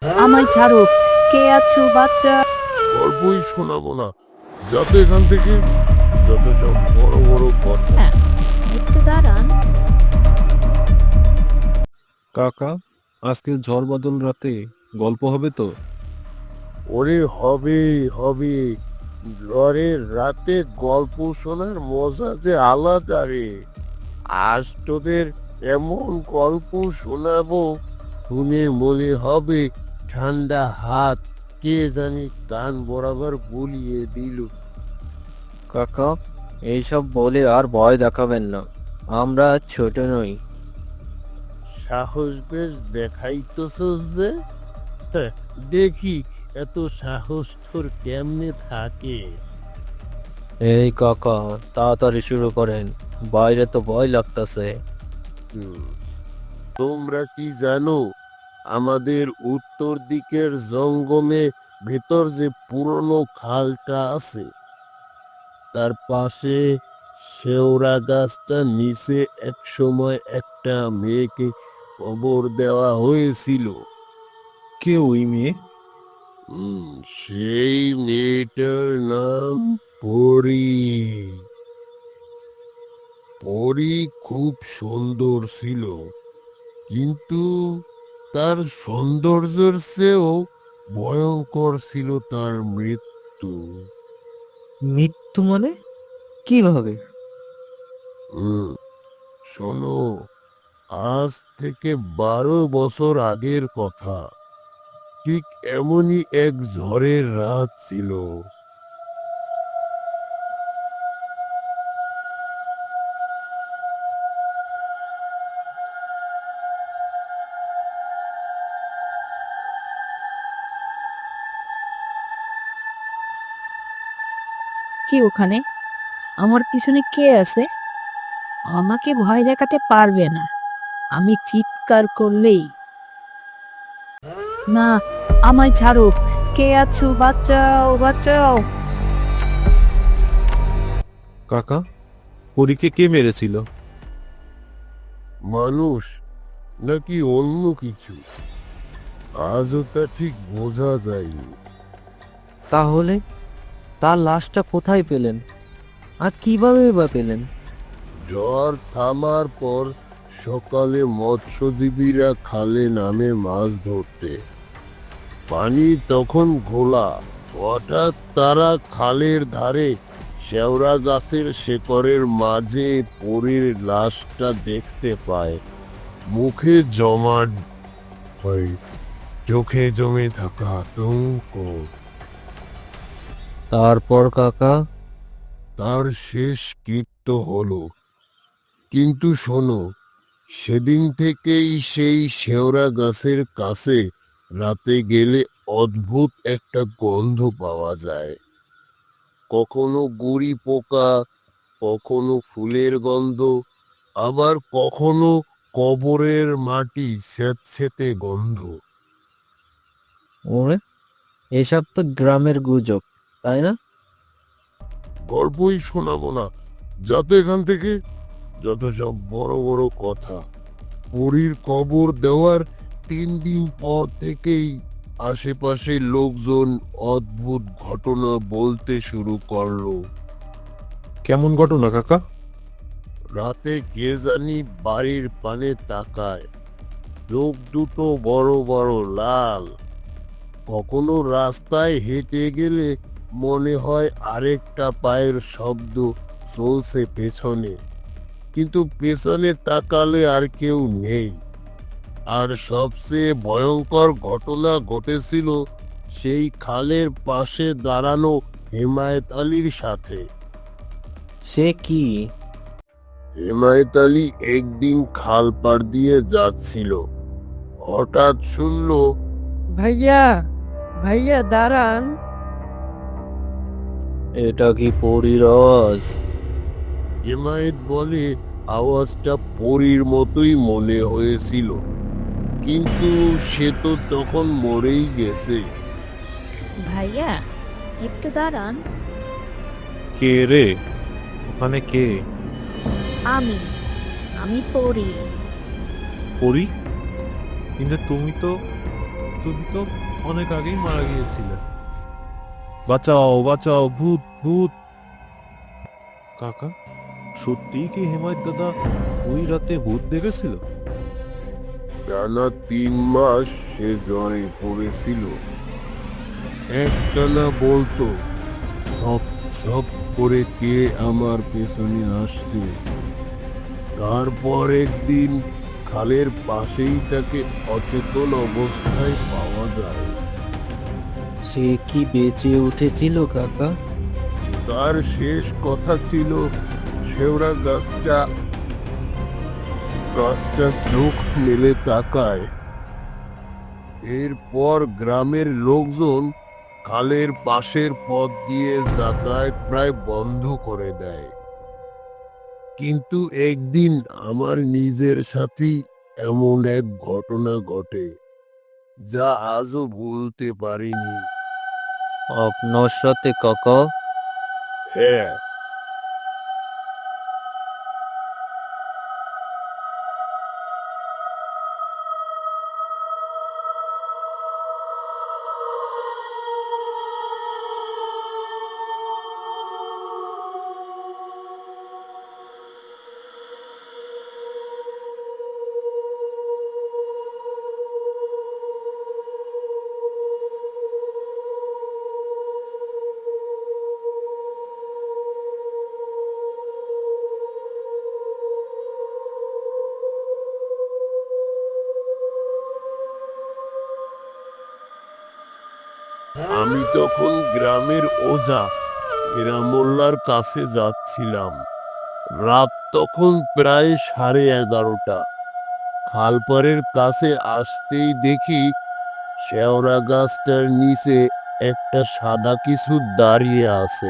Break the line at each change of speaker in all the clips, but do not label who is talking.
আমায় ছাড়ো, কে আছো বাচ্চা?
গল্পই শোনাবো না, যাতে এখান থেকে, যত সব বড় বড় কথা।
হ্যাঁ, একটু দাঁড়ান।
কাকা, আজকে ঝড় বাদল রাতে গল্প হবে তো?
ওরে হবে হবে, ঝড়ের রাতে গল্প শোনার মজা যে আলাদা রে। আজ তোদের এমন গল্প শোনাবো, শুনে মনে হবে ঠান্ডা হাত কে জানি কান বরাবর বুলিয়ে দিল।
কাকা, এইসব বলে আর ভয় দেখাবেন না। আমরা ছোট নই।
সাহস বেশ দেখাইতেছস যে। হ্যাঁ, দেখি এত সাহস তোর কেমনে থাকে।
এই কাকা, তাড়াতাড়ি শুরু করেন, বাইরে তো ভয় লাগতাছে।
হুম, তোমরা কি জানো আমাদের উত্তর দিকের জঙ্গলে ভেতর যে পুরনো খালটা আছে, তার পাশে শেওড়া গাছটা নিচে এক সময় একটা মেয়েকে কবর দেওয়া হয়েছিল।
কে ওই মেয়ে?
সেই মেয়েটার নাম পরি। পরি খুব সুন্দর ছিল, কিন্তু তার সৌন্দর্যের চেয়েও ভয়ঙ্কর ছিল তার মৃত্যু।
মৃত্যু মানে? কিভাবে?
হুম, শোনো, আজ থেকে 12 বছর আগের কথা। ঠিক এমনই এক ঝড়ের রাত ছিল।
কি ওখানে? আমার পিছনে কে আছে? আমাকে ভয় দেখাতে পারবে না। আমি চিৎকার করলেই। না, আমায় ছাড়ো, কে আছো বাঁচাও বাঁচাও।
কাকা, পরীকে কে মেরেছিল?
মানুষ নাকি অন্য কিছু, আজও তা ঠিক বোঝা যায়নি।
তাহলে তার লাশটা কোথায় পেলেন, আর কিভাবে বা পেলেন?
ঝড় থামার পর সকালে মৎস্যজীবীরা খালে নামে মাছ ধরতে। পানি তখন ঘোলা। হঠাৎ তারা খালের ধারে শেওড়া গাছের শেকড়ের মাঝে পরীর লাশটা দেখতে পায়। মুখে জমাট হয়, চোখে জমে থাকা আতঙ্ক।
তারপর কাকা?
তার শেষ কৃত্য হলো। কিন্তু শোনো, সেদিন থেকেই সেই শেওড়া গাছের কাছে রাতে গেলে অদ্ভুত একটা গন্ধ পাওয়া যায়। কখনো গুড়ি পোকা, কখনো ফুলের গন্ধ, আবার কখনো কবরের মাটি স্যাঁতসেঁতে গন্ধ।
ওরে, এসব তো গ্রামের গুজব, তাই না?
গল্পই শোনাবো না, যাতে এখান থেকে, যত সব বড় বড় কথা। পরীর কবর দেওয়ার 3 দিন পর থেকেই আশেপাশে লোকজন অদ্ভুত ঘটনা বলতে শুরু করলো।
কেমন ঘটনা কাকা?
রাতে কে জানি বাড়ির পানে তাকায়, চোখ দুটো বড় বড় লাল। কখনো রাস্তায় হেঁটে গেলে মনে হয় আরেকটা পায়ের শব্দ চলছে পেছনে, কিন্তু পেছনে তাকালে আর কেউ নেই। আর সবচেয়ে ভয়ঙ্কর ঘটনা ঘটেছিল সেই খালের পাশে দাঁড়ানো হেমায়েত আলীর সাথে।
সে কি?
হেমায়েত আলী একদিন খাল পার দিয়ে যাচ্ছিল। হঠাৎ শুনল,
ভাইয়া, ভাইয়া দাঁড়ান।
এটা কি পরীর আওয়াজ?
হেমায়েত বলে আওয়াজটা পরীর মতোই মনে হয়েছিল, কিন্তু সে তো তখন মরেই গেছে।
ভাইয়া, একটু দাঁড়ান।
কে রে? ওখানে কে?
আমি আমি পড়ি।
পরি? কিন্তু তুমি তো তুমি তো অনেক আগেই মারা গিয়েছিলে। বাঁচাও বাঁচাও, ভূত ভূত! কাকা, সত্যিই কি হেমায়ত দাদা ওই রাতে ভূত দেখেছিল?
টানা 3 মাস সে জ্বরে পড়েছিল। একটানা বলতো, সব সব করে কে আমার পেছনে আসছে। তারপর একদিন খালের পাশেই তাকে অচেতন অবস্থায় পাওয়া যায়।
সে কি বেঁচে উঠেছিল কাকা?
তার শেষ কথা ছিল, শেওড়া গাছটা গাছটা চোখ মেলে তাকায়। এরপর গ্রামের লোকজন খালের পাশের পথ দিয়ে যাতায়াত প্রায় বন্ধ করে দেয়। কিন্তু একদিন আমার নিজের সাথেই এমন এক ঘটনা ঘটে, যা আজও ভুলতে পারিনি।
আপনার সাথে কাকা?
হ্যাঁ, আমি তখন গ্রামের ওঝা হীরামোল্লার কাছে যাচ্ছিলাম। রাত তখন প্রায় 11:30। খালপাড়ের কাছে আসতেই দেখি শেওড়া গাছটার নিচে একটা সাদা কিছু দাঁড়িয়ে আছে।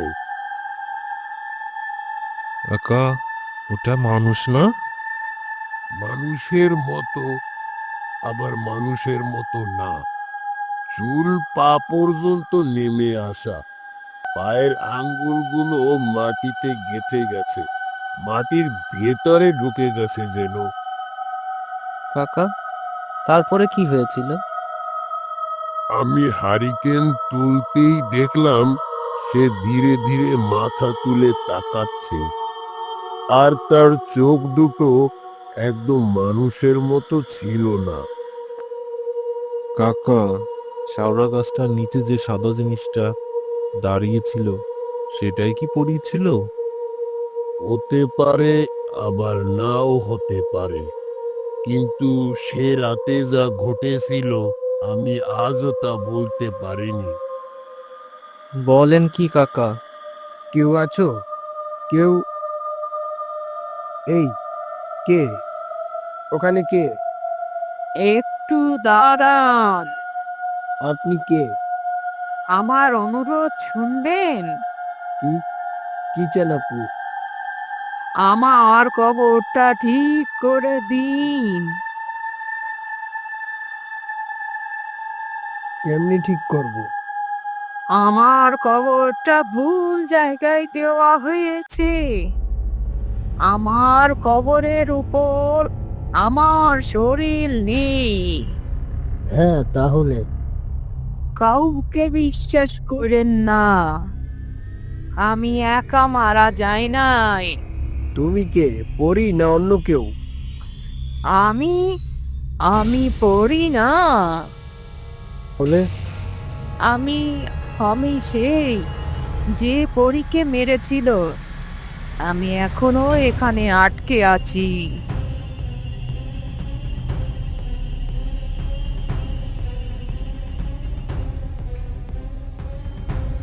কাকা, ওটা মানুষ না?
মানুষের মতো, আবার মানুষের মতো না। চুল পা পর্যন্ত নেমে আসা, পায়ের আঙ্গুলগুলো মাটিতে গেঁথে গেছে, মাটির ভেতরে ঢুকে গেছে যেন।
কাকা, তারপরে কি হয়েছিল?
আমি হারিকেন তুলতেই দেখলাম সে ধীরে ধীরে মাথা তুলে তাকাচ্ছে, আর তার চোখ দুটো একদম মানুষের মতো ছিল না।
কাকা, শাওড়া গাছটার নিচে যে সাদা জিনিসটা দাঁড়িয়েছিল, সেটাই কি পরী ছিল?
হতে পারে, আবার নাও হতে পারে, কিন্তু সে রাতে যা ঘটেছিল আমি আজও তা বলতে পারিনি।
বলেন কি কাকা?
কেউ আছো? কেউ? এই, কে ওখানে? কে?
একটু দাঁড়ান,
আপনি কে?
আমার অনুরোধ শুনবেন।
কি কি চান আপনি?
আমার কবরটা ঠিক করে দিন।
কেমনি ঠিক করব?
আমার কবরটা ভুল জায়গায় দেওয়া হয়েছে। আমার কবরের উপর আমার শরীর নেই।
হ্যাঁ, তাহলে?
কাউকে বিশ্বাস করেন না, আমি একা মারা যাই নাই।
তুমি কে, পরি না অন্য কেউ?
আমি আমি পড়ি না।
বলে?
আমি আমি সেই যে পরীকে মেরেছিল। আমি এখনো এখানে আটকে আছি।